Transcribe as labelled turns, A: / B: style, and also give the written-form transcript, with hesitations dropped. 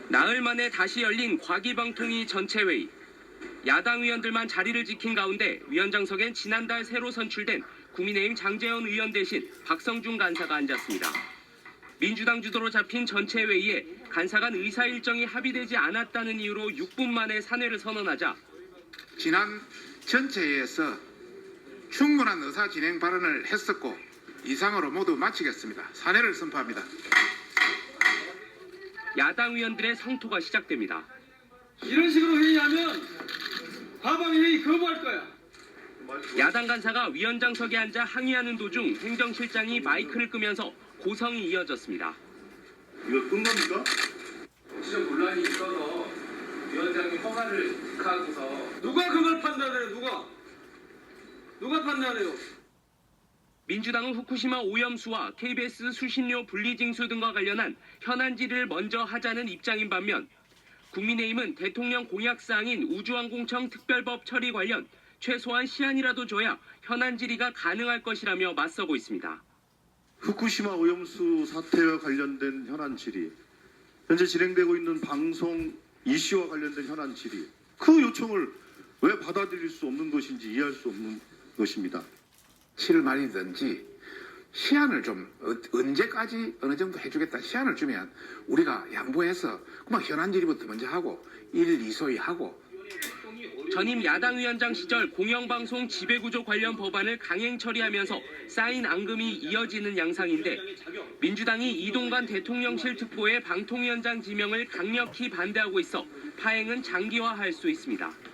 A: 나흘 만에 다시 열린 과기방통위 전체회의. 야당 의원들만 자리를 지킨 가운데 위원장석엔 지난달 새로 선출된 국민의힘 장제원 의원 대신 박성준 간사가 앉았습니다. 민주당 주도로 잡힌 전체회의에 간사 간 의사 일정이 합의되지 않았다는 이유로 6분 만에 사퇴를 선언하자
B: 지난 전체회의에서 충분한 의사 진행 발언을 했었고 이상으로 모두 마치겠습니다. 사퇴를 선포합니다.
A: 야당 의원들의 성토가 시작됩니다.
C: 이런 식으로 회의하면 과방 회의 거부할 거야.
A: 야당 간사가 위원장석에 앉아 항의하는 도중 행정실장이 마이크를 끄면서 고성이 이어졌습니다.
D: 이거 끈 겁니까?
A: 정치적 논란이 있어서 위원장이 허가를 하고서
C: 누가 그걸 판단해요? 누가 판단해요?
A: 민주당은 후쿠시마 오염수와 KBS 수신료 분리징수 등과 관련한 현안 질의를 먼저 하자는 입장인 반면 국민의힘은 대통령 공약사항인 우주항공청 특별법 처리 관련 최소한 시한이라도 줘야 현안 질의가 가능할 것이라며 맞서고 있습니다.
E: 후쿠시마 오염수 사태와 관련된 현안 질의, 현재 진행되고 있는 방송 이슈와 관련된 현안 질의, 그 요청을 왜 받아들일 수 없는 것인지 이해할 수 없는 것입니다.
B: 7월 말이든지 시한을 좀 언제까지 어느 정도 해주겠다 시한을 주면 우리가 양보해서 그만 현안 질의부터 먼저 하고 1, 2소위 하고.
A: 전임 야당 위원장 시절 공영방송 지배구조 관련 법안을 강행 처리하면서 쌓인 앙금이 이어지는 양상인데 민주당이 이동관 대통령실 특보의 방통위원장 지명을 강력히 반대하고 있어 파행은 장기화할 수 있습니다.